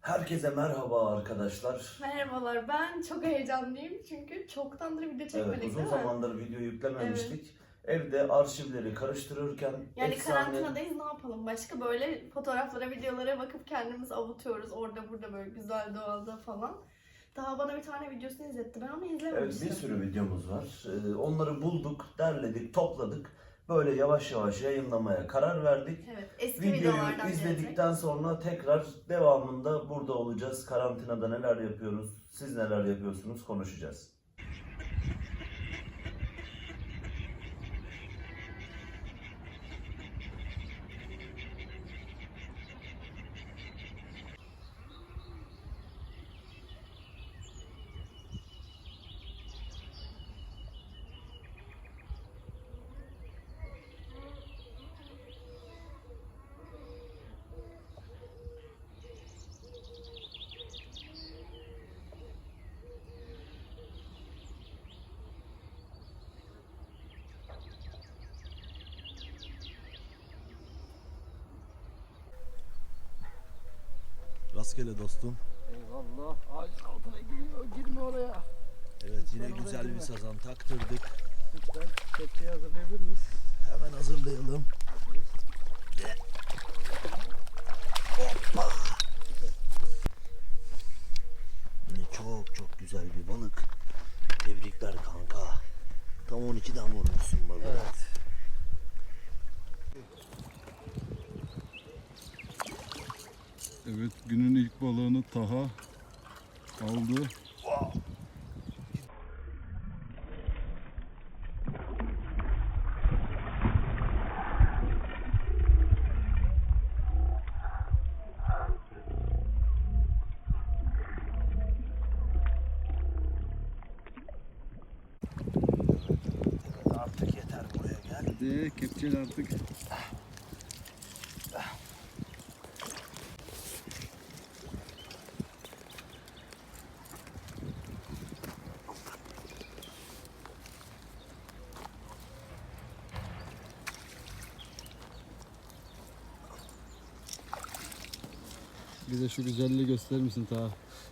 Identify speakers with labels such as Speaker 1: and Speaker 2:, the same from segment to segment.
Speaker 1: Herkese merhaba arkadaşlar.
Speaker 2: Merhabalar, ben çok heyecanlıyım çünkü çoktandır video çekmedik,
Speaker 1: Uzun
Speaker 2: değil mi?
Speaker 1: zamandır video yüklememiştik. Evde arşivleri karıştırırken
Speaker 2: Yani karantinadayız, ne yapalım başka, böyle fotoğraflara, videolara bakıp kendimizi avutuyoruz orada burada, böyle güzel doğada falan. Daha bana bir tane videosunu izletti, ben onu
Speaker 1: Evet,
Speaker 2: izlememiştim.
Speaker 1: bir sürü videomuz var. Onları bulduk, derledik, topladık. Böyle yavaş yavaş yayınlamaya karar verdik.
Speaker 2: Evet, eski
Speaker 1: Videoyu
Speaker 2: videolardan
Speaker 1: izledikten
Speaker 2: gelecek.
Speaker 1: sonra tekrar devamında burada olacağız. Karantinada neler yapıyoruz, siz neler yapıyorsunuz konuşacağız. Rastgele dostum.
Speaker 3: Eyvallah. Ağacın altına giriyor. Girme oraya.
Speaker 1: Evet, yine
Speaker 3: Lütfen
Speaker 1: güzel
Speaker 3: oraya
Speaker 1: bir
Speaker 3: girme.
Speaker 1: sazan taktırdık.
Speaker 3: Lütfen kepçeyi hazırlayabilir miyiz?
Speaker 1: Hemen hazırlayalım. Hoppa! Yine çok güzel bir balık. Tebrikler kanka. Tam 12'den vurmuşsun balığı.
Speaker 3: Evet.
Speaker 4: Evet, günün ilk balığını Taha aldı.
Speaker 1: Artık yeter, buraya gel.
Speaker 4: Hadi kepçeyle artık. Bize şu güzelliği gösterir misin Taha?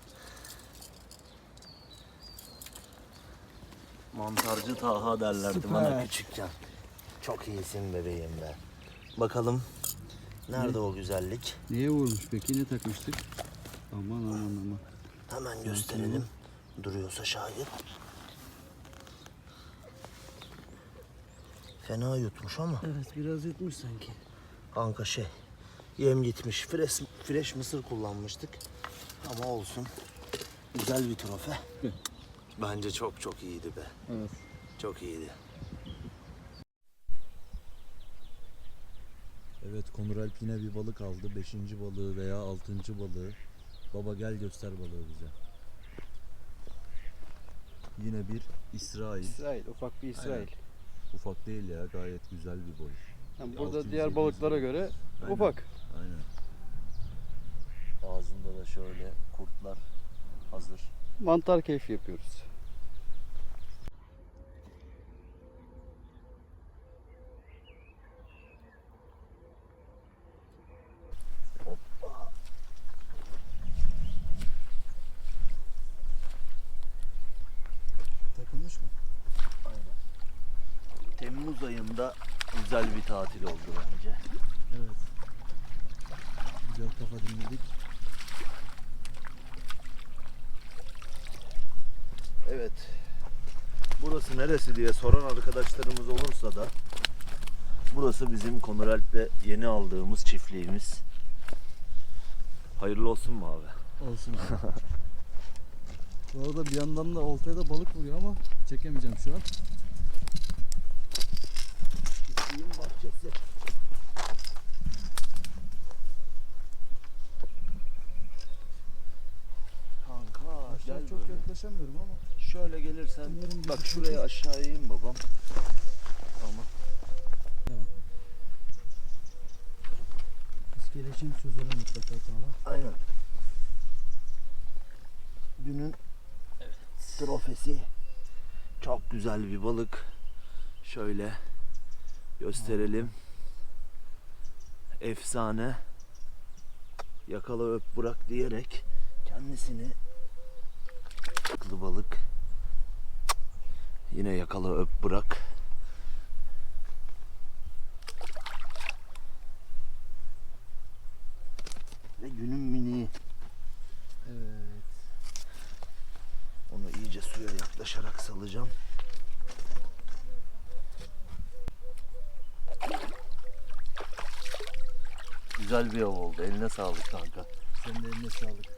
Speaker 1: Mantarcı Taha derlerdi
Speaker 3: Süper.
Speaker 1: bana küçükken. Çok iyisin bebeğim be. Bakalım nerede o güzellik?
Speaker 4: Neye vurmuş peki? Ne takmıştık? Aman.
Speaker 1: Hemen gösterelim. Duruyorsa şayet. Fena yutmuş ama.
Speaker 3: Evet, biraz yutmuş sanki.
Speaker 1: Kanka yem gitmiş. Fresh mısır kullanmıştık. Ama olsun. Güzel bir trofe. Bence çok iyiydi be.
Speaker 4: Evet.
Speaker 1: Çok iyiydi. Evet, Konur Alp yine bir balık aldı. 5. balığı veya 6. balığı. Baba gel göster balığı bize. Yine bir İsrail.
Speaker 3: İsrail, ufak bir İsrail.
Speaker 1: Aynen. Ufak değil ya, gayet güzel bir boy.
Speaker 3: Yani burada
Speaker 1: 600,
Speaker 3: diğer
Speaker 1: 700
Speaker 3: balıklara
Speaker 1: gram.
Speaker 3: göre
Speaker 1: Aynen.
Speaker 3: ufak.
Speaker 1: Aynen. Ağzında da şöyle kurtlar hazır.
Speaker 3: Mantar keyfi yapıyoruz.
Speaker 1: Hoppa.
Speaker 3: Takılmış mı?
Speaker 1: Aynen. Temmuz ayında güzel bir tatil oldu bence.
Speaker 4: Evet. Güzel kafa dinledik.
Speaker 1: Evet. Burası neresi diye soran arkadaşlarımız olursa da burası bizim Konur Alp'le yeni aldığımız çiftliğimiz. Hayırlı olsun mu abi?
Speaker 4: Olsun abi. Bu arada bir yandan da oltaya da balık vuruyor ama çekemeyeceğim şu an.
Speaker 1: Çiftliğin bahçesi. Kanka
Speaker 4: Aşağı
Speaker 1: gel
Speaker 4: çok
Speaker 1: böyle.
Speaker 4: yaklaşamıyorum ama.
Speaker 1: Şöyle gelirsen
Speaker 4: Umarım
Speaker 1: bak
Speaker 4: bizi
Speaker 1: şuraya aşağıya in babam. Tamam.
Speaker 4: İskeleşin sözleri mutlaka Taha.
Speaker 1: Aynen. Günün trofesi. Çok güzel bir balık. Şöyle gösterelim. Efsane. yakala öp bırak diyerek kendisini akıllı balık yine yakala öp bırak. Ve günün miniği.
Speaker 4: Evet.
Speaker 1: Onu iyice suya yaklaşarak salacağım. Güzel bir av oldu. Eline sağlık kanka.
Speaker 4: Senin de eline sağlık.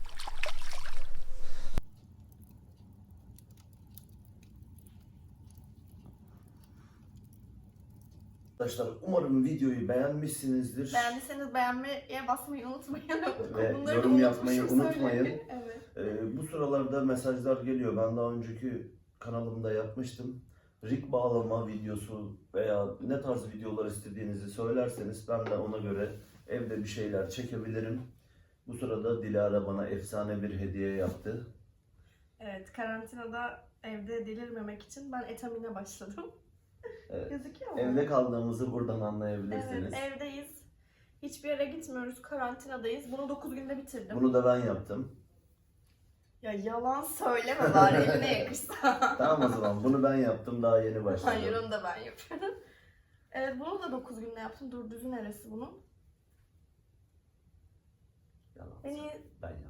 Speaker 1: Arkadaşlar umarım videoyu beğenmişsinizdir.
Speaker 2: Beğendiyseniz beğenmeye basmayı unutmayın.
Speaker 1: Ve
Speaker 2: Bunları
Speaker 1: yorum yapmayı
Speaker 2: unutmuşum
Speaker 1: unutmayın.
Speaker 2: söylemeyi. Evet.
Speaker 1: Bu sıralarda mesajlar geliyor. Ben daha önceki kanalımda yapmıştım. Rig bağlama videosu veya ne tarz videolar istediğinizi söylerseniz ben de ona göre evde bir şeyler çekebilirim. Bu sırada Dilara bana efsane bir hediye yaptı.
Speaker 2: Evet, karantinada evde delirmemek için ben etamine başladım.
Speaker 1: Evet.
Speaker 2: Gözüküyor mu?
Speaker 1: Evde kaldığımızı buradan anlayabilirsiniz.
Speaker 2: Evet, evdeyiz. Hiçbir yere gitmiyoruz, karantinadayız. Bunu 9 günde bitirdim.
Speaker 1: Bunu da ben yaptım.
Speaker 2: Ya yalan söyleme bari, eline yakışsa.
Speaker 1: Tamam o zaman bunu ben yaptım, daha yeni başladım.
Speaker 2: Hayır, onu da ben yapıyorum. Evet, bunu da 9 günde yaptım. Dur, düzü neresi bunun?
Speaker 1: Yalan.
Speaker 2: Beni
Speaker 1: Ben yaptım.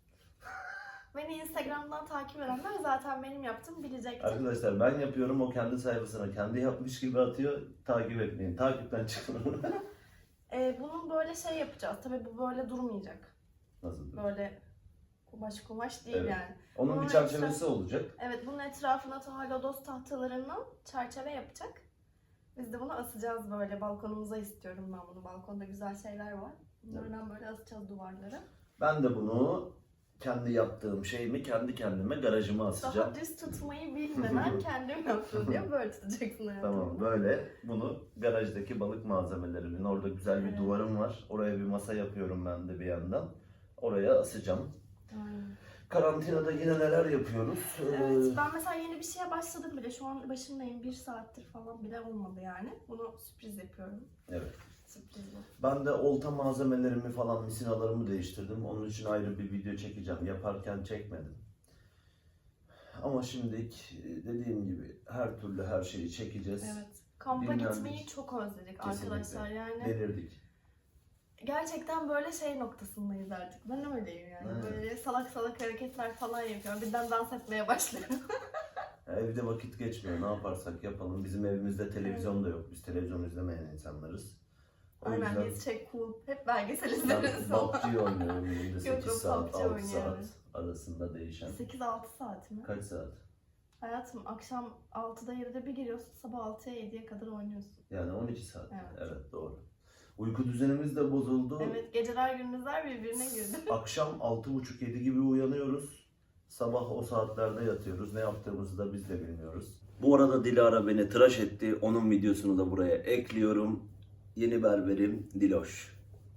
Speaker 2: Instagram'dan takip edenler zaten benim yaptığımı bilecektir.
Speaker 1: Arkadaşlar ben yapıyorum, o kendi sayfasına kendi yapmış gibi atıyor. Takip etmeyin. Takipten çıkın.
Speaker 2: Bunun böyle şey yapacağız. Tabii bu böyle durmayacak.
Speaker 1: Nasıl?
Speaker 2: Böyle kumaş değil
Speaker 1: Evet.
Speaker 2: yani.
Speaker 1: Onun
Speaker 2: Bunun
Speaker 1: bir çerçevesi olacak.
Speaker 2: Evet, bunun etrafına lodos tahtalarından çerçeve yapacak. Biz de bunu asacağız böyle balkonumuza istiyorum ben bunu. Balkonda güzel şeyler var. Bunlardan böyle asacağız duvarlara.
Speaker 1: Ben de bunu kendi yaptığım şeyimi kendi kendime garajıma asacağım.
Speaker 2: Daha düz tutmayı bilmeden kendim yaptım diye böyle tutacaksın hayatım.
Speaker 1: Tamam, böyle bunu garajdaki balık malzemelerimin, orada güzel bir
Speaker 2: Evet.
Speaker 1: duvarım var. Oraya bir masa yapıyorum ben de bir yandan. Oraya asacağım.
Speaker 2: Aynen.
Speaker 1: Karantinada yine neler yapıyoruz?
Speaker 2: Evet, ben mesela yeni bir şeye başladım bile. Şu an başındayım. 1 saattir falan bile olmadı yani. Bunu sürpriz yapıyorum.
Speaker 1: Evet.
Speaker 2: Sürpriz bu.
Speaker 1: Ben de olta malzemelerimi falan, misinalarımı değiştirdim. Onun için ayrı bir video çekeceğim. Yaparken çekmedim. Ama şimdilik dediğim gibi her türlü her şeyi çekeceğiz.
Speaker 2: Evet. Kampa
Speaker 1: Dinlendik.
Speaker 2: gitmeyi çok özledik
Speaker 1: Kesinlikle.
Speaker 2: arkadaşlar yani.
Speaker 1: Delirdik.
Speaker 2: Gerçekten böyle şey noktasındayız artık. Ben öyleyim yani.
Speaker 1: Evet.
Speaker 2: Böyle salak salak hareketler falan yapıyorum. Birden dans etmeye başlıyorum.
Speaker 1: Evde vakit geçmiyor. Ne yaparsak yapalım. Bizim evimizde televizyon da yok. Biz televizyon izlemeyen insanlarız. O
Speaker 2: Aynen,
Speaker 1: yüzden
Speaker 2: biz şey cool. Hep belgesel
Speaker 1: ben
Speaker 2: izleriz falan.
Speaker 1: PUBG oynuyorum. Günde
Speaker 2: Yok,
Speaker 1: 8
Speaker 2: yok,
Speaker 1: saat,
Speaker 2: PUBG
Speaker 1: 6 saat
Speaker 2: oynuyoruz.
Speaker 1: arasında değişen.
Speaker 2: 8-6 saat mi?
Speaker 1: Kaç saat?
Speaker 2: Hayatım akşam 6'da 7'de bir giriyorsun. Sabah 6'ya 7'ye kadar oynuyorsun.
Speaker 1: Yani 12 saat.
Speaker 2: Evet.
Speaker 1: Evet, doğru. Uyku düzenimiz de bozuldu.
Speaker 2: Evet, geceler gündüzler birbirine girdi.
Speaker 1: Akşam 6.30-7 gibi uyanıyoruz. Sabah o saatlerde yatıyoruz. Ne yaptığımızı da biz de bilmiyoruz. Bu arada Dilara beni tıraş etti. Onun videosunu da buraya ekliyorum. Yeni berberim Diloş.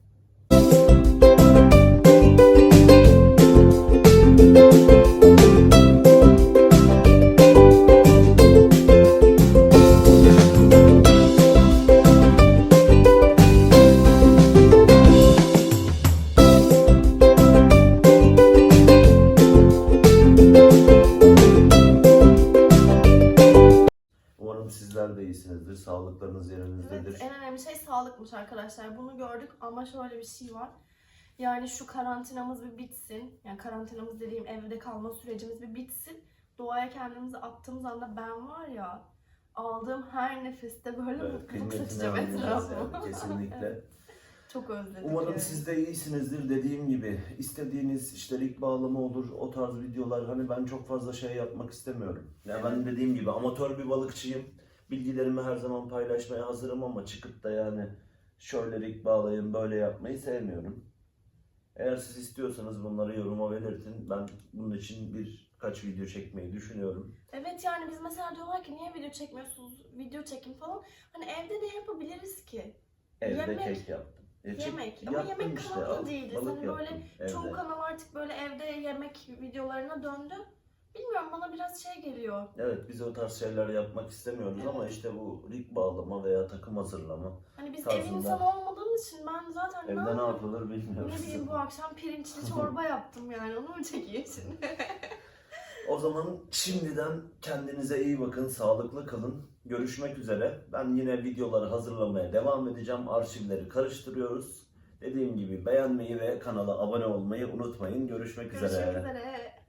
Speaker 1: Umarım sizler de iyisinizdir. Sağlıklarınız yerinizdedir.
Speaker 2: Evet, en önemli şey sağlıkmış arkadaşlar. Bunu gördük ama şöyle bir şey var. Yani şu karantinamız bir bitsin. Yani karantinamız dediğim evde kalma sürecimiz bir bitsin. Doğaya kendimizi attığımız anda ben var ya, aldığım her nefeste böyle
Speaker 1: Evet,
Speaker 2: mutluluk
Speaker 1: kıymetini
Speaker 2: saçacağım
Speaker 1: anlayacağız
Speaker 2: etrafıma.
Speaker 1: yani, kesinlikle.
Speaker 2: Evet, çok özledim.
Speaker 1: Umarım
Speaker 2: yani.
Speaker 1: siz de iyisinizdir. Dediğim gibi istediğiniz işte rig bağlama olur, o tarz videolar. Hani ben çok fazla şey yapmak istemiyorum. Yani ben
Speaker 2: Evet.
Speaker 1: dediğim gibi amatör bir balıkçıyım. Bilgilerimi her zaman paylaşmaya hazırım ama çıkıp da yani şöyle rig bağlayın, böyle yapmayı sevmiyorum. Eğer siz istiyorsanız bunları yoruma belirtin. Ben bunun için birkaç video çekmeyi düşünüyorum.
Speaker 2: Evet, yani biz mesela diyorlar ki niye video çekmiyorsunuz, video çekin falan. Hani evde ne yapabiliriz ki?
Speaker 1: Evde
Speaker 2: Yemek.
Speaker 1: kek yaptım.
Speaker 2: Yemek. Ama
Speaker 1: Yaptım
Speaker 2: yemek kanalı
Speaker 1: al,
Speaker 2: değiliz.
Speaker 1: balık
Speaker 2: Hani böyle
Speaker 1: yaptım evde.
Speaker 2: çoğu kanal artık böyle evde yemek videolarına döndü. Bilmiyorum, bana biraz şey geliyor.
Speaker 1: Evet, biz o tarz şeyler yapmak istemiyoruz ama
Speaker 2: Evet.
Speaker 1: işte bu rig bağlama veya takım hazırlama.
Speaker 2: Hani biz ev
Speaker 1: Tarzında.
Speaker 2: insanı olmadığımız için ben zaten
Speaker 1: Evde ne yapılır bilmiyoruz.
Speaker 2: ne bileyim, bu akşam pirinçli çorba yaptım yani, onu mu çekeyim şimdi?
Speaker 1: O zaman şimdiden kendinize iyi bakın, sağlıklı kalın. Görüşmek üzere. Ben yine videoları hazırlamaya devam edeceğim. Arşivleri karıştırıyoruz. Dediğim gibi beğenmeyi ve kanala abone olmayı unutmayın. Görüşmek üzere.
Speaker 2: Görüşmek üzere.